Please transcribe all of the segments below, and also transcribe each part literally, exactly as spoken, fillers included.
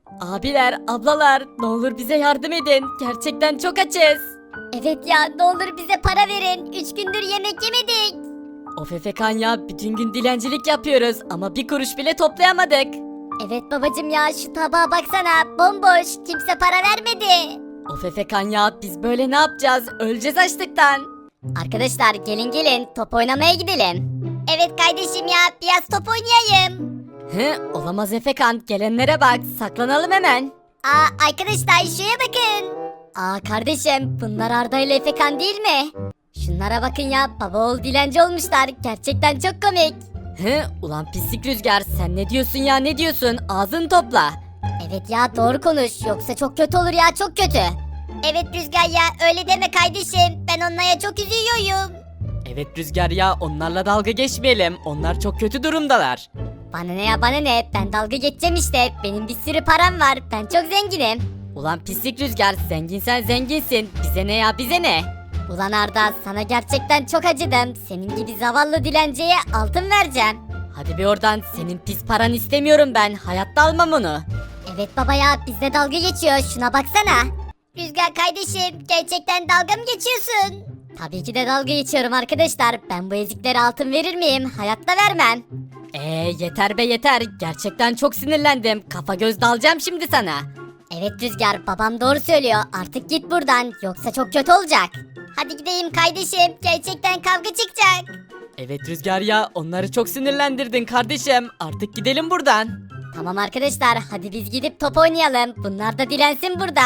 Abiler, ablalar, ne olur bize yardım edin. Gerçekten çok açız. Evet ya, ne olur bize para verin. Üç gündür yemek yemedik. Of Efekan ya, bütün gün dilencilik yapıyoruz ama bir kuruş bile toplayamadık. Evet babacım ya, şu tabağa baksana, bomboş, kimse para vermedi. Of Efekan ya, biz böyle ne yapacağız? Öleceğiz açlıktan. Arkadaşlar gelin gelin, top oynamaya gidelim. Evet kardeşim ya, biraz top oynayayım. Hı, olamaz Efekan, gelenlere bak, saklanalım hemen. Aa arkadaşlar şuraya bakın. Aa kardeşim, bunlar Arda ile Efekan değil mi? Şunlara bakın ya, baba oğul dilenci olmuşlar. Gerçekten çok komik. Hı, ulan pislik Rüzgar, sen ne diyorsun ya, ne diyorsun? Ağzını topla. Evet ya, doğru konuş, yoksa çok kötü olur ya, çok kötü. Evet Rüzgar ya, öyle deme kardeşim, ben onlara çok üzülüyorum. Evet Rüzgar ya, onlarla dalga geçmeyelim, onlar çok kötü durumdalar. Bana ne ya, bana ne, ben dalga geçeceğim işte, benim bir sürü param var, ben çok zenginim. Ulan pislik Rüzgar, zenginsen zenginsin, bize ne ya, bize ne? Ulan Arda, sana gerçekten çok acıdım, senin gibi zavallı dilenciye altın vereceğim. Hadi bir oradan, senin pis paran istemiyorum ben, hayatta almam onu. Evet baba ya, bizde dalga geçiyor, şuna baksana. Rüzgar kardeşim, gerçekten dalga mı geçiyorsun? Tabii ki de dalga geçiyorum arkadaşlar, ben bu eziklere altın verir miyim? Hayatta vermem. Eee yeter be yeter, gerçekten çok sinirlendim, kafa göz dalacağım şimdi sana. Evet Rüzgar, babam doğru söylüyor, artık git buradan, yoksa çok kötü olacak. Hadi gideyim kardeşim, gerçekten kavga çıkacak. Evet Rüzgar ya, onları çok sinirlendirdin kardeşim, artık gidelim buradan. Tamam arkadaşlar, hadi biz gidip top oynayalım, bunlar da dilensin burada.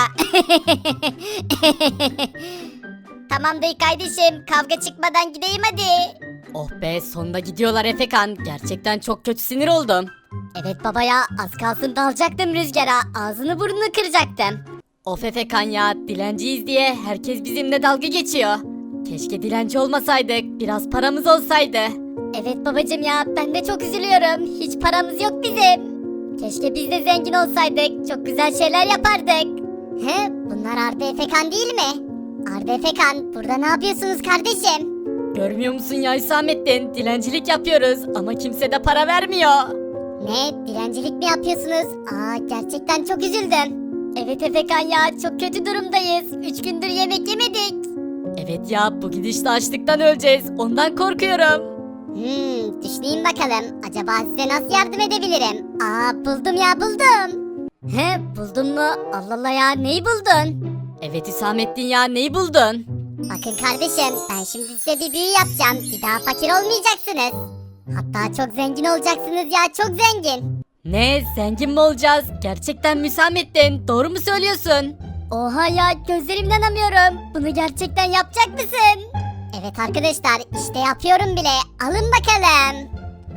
Tamam dayı kardeşim, kavga çıkmadan gideyim hadi. Oh be, sonunda gidiyorlar Efekan, gerçekten çok kötü sinir oldum. Evet baba ya, az kalsın dalacaktım Rüzgar'a, ağzını burnunu kıracaktım. Of Efekan ya, dilenciyiz diye herkes bizimle dalga geçiyor. Keşke dilenci olmasaydık, biraz paramız olsaydı. Evet babacım ya, ben de çok üzülüyorum, hiç paramız yok bizim. Keşke biz de zengin olsaydık, çok güzel şeyler yapardık. He, bunlar Arda Efekan değil mi? Arda Efekan, burada ne yapıyorsunuz kardeşim? Görmüyor musun ya Hüsamettin, dilencilik yapıyoruz ama kimse de para vermiyor. Ne, dilencilik mi yapıyorsunuz? Aa, gerçekten çok üzüldüm. Evet Efekan ya, çok kötü durumdayız. Üç gündür yemek yemedik. Evet ya, bu gidişle açlıktan öleceğiz, ondan korkuyorum. Hmm, düşüneyim bakalım. Acaba size nasıl yardım edebilirim? Aa, buldum ya, buldum. He, buldun mu? Allah Allah ya, neyi buldun? Evet Hüsamettin ya, neyi buldun? Bakın kardeşim, ben şimdi size bir büyü yapacağım. Bir daha fakir olmayacaksınız. Hatta çok zengin olacaksınız ya, çok zengin. Ne, zengin mi olacağız? Gerçekten mi Hüsamettin, doğru mu söylüyorsun? Oha ya, gözlerimden inanamıyorum. Bunu gerçekten yapacak mısın? Evet arkadaşlar, işte yapıyorum bile. Alın bakalım.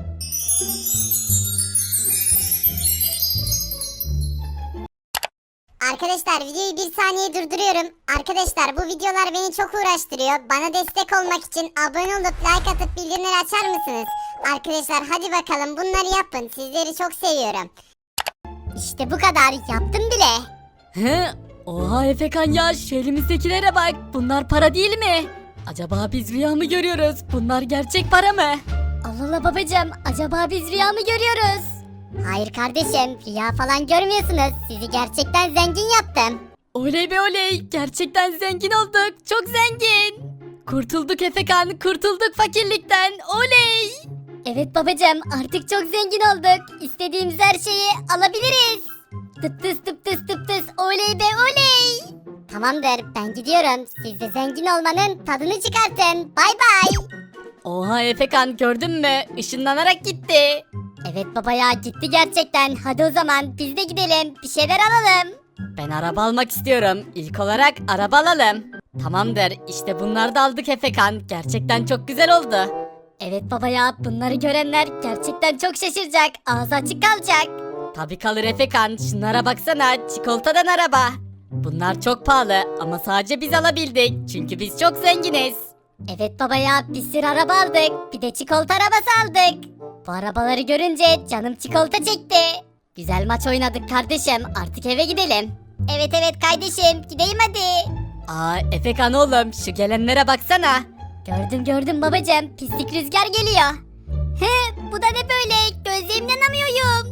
Arkadaşlar videoyu bir saniye durduruyorum. Arkadaşlar bu videolar beni çok uğraştırıyor. Bana destek olmak için abone olup like atıp bildirimleri açar mısınız? Arkadaşlar hadi bakalım bunları yapın. Sizleri çok seviyorum. İşte bu kadar, yaptım bile. He? Oha Efekan ya, şu elimizdekilere bak, bunlar para değil mi? Acaba biz rüya mı görüyoruz? Bunlar gerçek para mı? Allah Allah babacığım, acaba biz rüya mı görüyoruz? Hayır kardeşim, rüya falan görmüyorsunuz. Sizi gerçekten zengin yaptım. Oley be oley, gerçekten zengin olduk, çok zengin. Kurtulduk Efekan, kurtulduk fakirlikten, oley. Evet babacığım, artık çok zengin olduk. İstediğimiz her şeyi alabiliriz. Tıp tıs tıp tıs tıp tıs, oley be oley. Tamamdır, ben gidiyorum. Siz de zengin olmanın tadını çıkartın. Bay bay. Oha Efekan, gördün mü? Işınlanarak gitti. Evet baba ya, gitti gerçekten. Hadi o zaman biz de gidelim. Bir şeyler alalım. Ben araba almak istiyorum. İlk olarak araba alalım. Tamamdır, işte bunları da aldık Efekan. Gerçekten çok güzel oldu. Evet baba ya, bunları görenler gerçekten çok şaşıracak. Ağzı açık kalacak. Tabii kalır Efekan, şunlara baksana, çikolatadan araba. Bunlar çok pahalı ama sadece biz alabildik. Çünkü biz çok zenginiz. Evet baba ya, bir sürü araba aldık. Bir de çikolata arabası aldık. Bu arabaları görünce canım çikolata çekti. Güzel maç oynadık kardeşim. Artık eve gidelim. Evet evet kardeşim, gideyim hadi. Aa Efekan oğlum, şu gelenlere baksana. Gördüm gördüm babacığım. Pislik Rüzgar geliyor. He, bu da ne böyle? Gözlerimden inanamıyorum.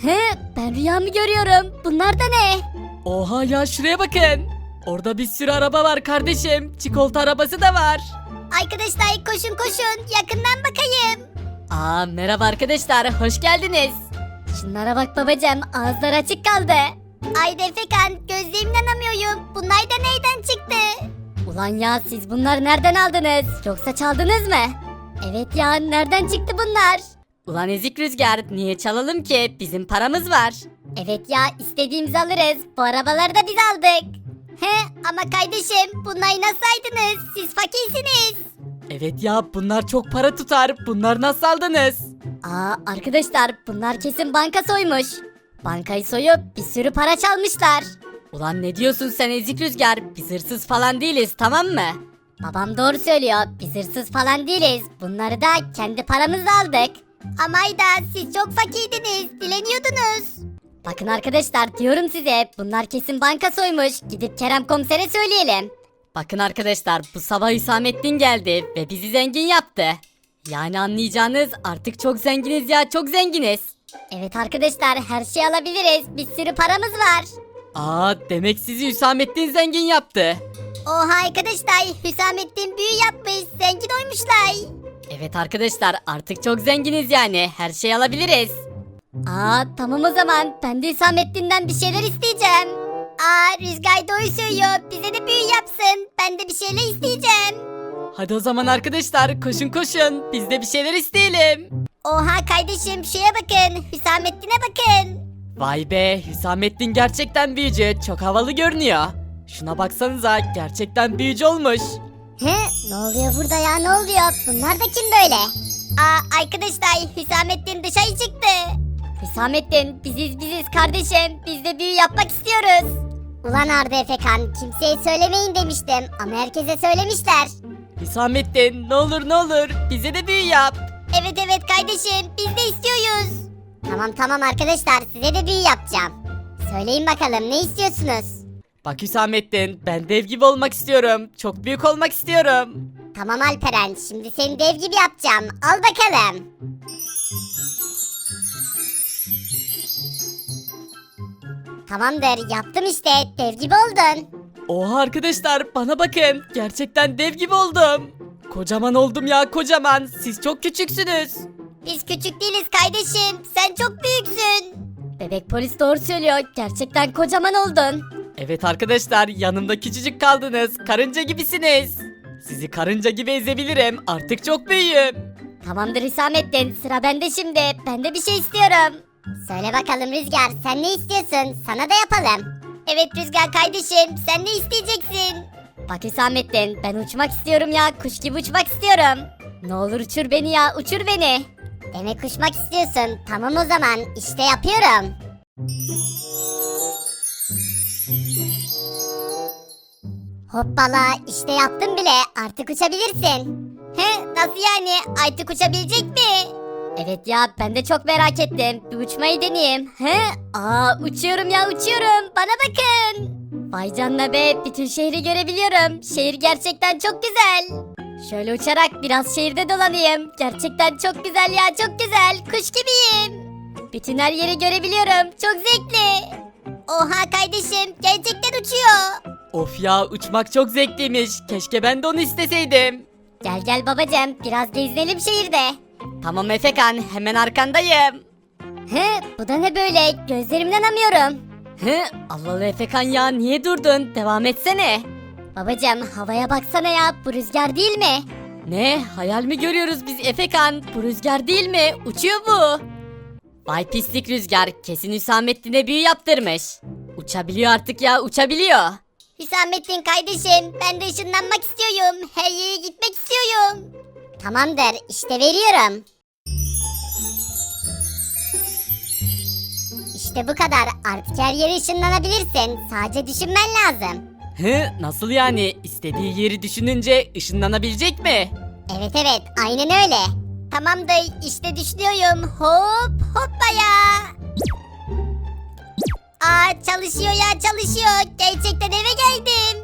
He, ben rüyamı görüyorum. Bunlar da ne? Oha ya, şuraya bakın. Orada bir sürü araba var kardeşim. Çikolata arabası da var. Arkadaşlar koşun koşun yakından bakayım. Aa, merhaba arkadaşlar, hoş geldiniz. Şunlara bak babacığım, ağızları açık kaldı. Ayda Efekan, gözlerimle inanamıyorum. Bunlar da neyden çıktı? Ulan ya, siz bunları nereden aldınız? Yoksa çaldınız mı? Evet ya, nereden çıktı bunlar? Ulan ezik Rüzgar, niye çalalım ki? Bizim paramız var. Evet ya, istediğimizi alırız. Bu arabaları da biz aldık. He, ama kardeşim, bunları nasıl aydınız? Siz fakirsiniz. Evet ya, bunlar çok para tutar. Bunlar nasıl aldınız? Aa arkadaşlar, bunlar kesin banka soymuş. Bankayı soyup bir sürü para çalmışlar. Ulan ne diyorsun sen ezik Rüzgar? Biz hırsız falan değiliz, tamam mı? Babam doğru söylüyor. Biz hırsız falan değiliz. Bunları da kendi paramızla aldık. Ama Ayda, siz çok fakirdiniz. Dileniyordunuz. Bakın arkadaşlar, diyorum size, bunlar kesin banka soymuş. Gidip Kerem komisere söyleyelim. Bakın arkadaşlar, bu sabah Hüsamettin geldi ve bizi zengin yaptı. Yani anlayacağınız, artık çok zenginiz ya, çok zenginiz. Evet arkadaşlar, her şeyi alabiliriz. Bir sürü paramız var. Aa, demek sizi Hüsamettin zengin yaptı. Oha arkadaşlar, Hüsamettin büyü yapmış. Zengin olmuşlar. Evet arkadaşlar, artık çok zenginiz yani, her şeyi alabiliriz. Aa tamam o zaman, ben de Hüsamettin'den bir şeyler isteyeceğim. Aa Rüzgar doğru söylüyor, bize de büyü yapsın. Ben de bir şeyler isteyeceğim. Hadi o zaman arkadaşlar, koşun koşun, biz de bir şeyler isteyelim. Oha kardeşim, şuraya bakın, Hüsamettin'e bakın. Vay be, Hüsamettin gerçekten büyücü, çok havalı görünüyor. Şuna baksanıza, gerçekten büyücü olmuş. He, ne oluyor burada ya, ne oluyor? Bunlar da kim böyle? Aa arkadaşlar, Hüsamettin dışarı çıktı. Hüsamettin, biziz biziz kardeşim, biz de büyü yapmak istiyoruz. Ulan Arda Efekan, kimseye söylemeyin demiştim ama herkese söylemişler. Hüsamettin, ne olur ne olur, bize de büyü yap. Evet evet kardeşim, biz de istiyoruz. Tamam tamam arkadaşlar, size de büyü yapacağım. Söyleyin bakalım, ne istiyorsunuz? Bak Hüsamettin, ben dev gibi olmak istiyorum, çok büyük olmak istiyorum. Tamam Alperen, şimdi seni dev gibi yapacağım. Al bakalım. Tamamdır, yaptım işte, dev gibi oldun. Oha arkadaşlar, bana bakın, gerçekten dev gibi oldum. Kocaman oldum ya, kocaman, siz çok küçüksünüz. Biz küçük değiliz kardeşim, sen çok büyüksün. Bebek polis doğru söylüyor, gerçekten kocaman oldun. Evet arkadaşlar, yanımda küçücük kaldınız, karınca gibisiniz. Sizi karınca gibi ezebilirim, artık çok büyüğüm. Tamamdır Hüsamettin, sıra bende şimdi, ben de bir şey istiyorum. Söyle bakalım Rüzgar, sen ne istiyorsun, sana da yapalım. Evet Rüzgar kardeşim, sen ne isteyeceksin? Bak Hüsamettin, ben uçmak istiyorum ya, kuş gibi uçmak istiyorum. Ne olur uçur beni ya, uçur beni. Demek uçmak istiyorsun, tamam o zaman, işte yapıyorum. Hoppala, işte yaptım bile, artık uçabilirsin. He, nasıl yani, artık uçabilecek mi? Evet ya, ben de çok merak ettim. Bir uçmayı deneyeyim. He? Aa, uçuyorum ya, uçuyorum. Bana bakın. Vay canına be, bütün şehri görebiliyorum. Şehir gerçekten çok güzel. Şöyle uçarak biraz şehirde dolanayım. Gerçekten çok güzel ya, çok güzel. Kuş gibiyim. Bütün her yeri görebiliyorum. Çok zevkli. Oha kardeşim, gerçekten uçuyor. Of ya, uçmak çok zevkliymiş, keşke ben de onu isteseydim. Gel gel babacığım, biraz gezinelim şehirde. Tamam Efekan, hemen arkandayım. He, bu da ne böyle? Gözlerimden inanamıyorum. Hı, Allah Allah Efekan ya, niye durdun, devam etsene. Babacığım, havaya baksana ya, bu rüzgar değil mi? Ne, hayal mi görüyoruz biz Efekan, bu rüzgar değil mi, uçuyor bu. Vay pislik Rüzgar, kesin Hüsamettin'e büyü yaptırmış. Uçabiliyor artık ya, uçabiliyor. Hüsamettin kardeşim, ben de ışınlanmak istiyorum. Her yere gitmek istiyorum. Tamamdır, işte veriyorum. İşte bu kadar. Artık her yere ışınlanabilirsin. Sadece düşünmen lazım. Hı, nasıl yani, istediği yeri düşününce ışınlanabilecek mi? Evet evet, aynen öyle. Tamamdır, işte düşünüyorum. Hop hoppaya. Aa çalışıyor ya, çalışıyor. Gerçekten eve geldim.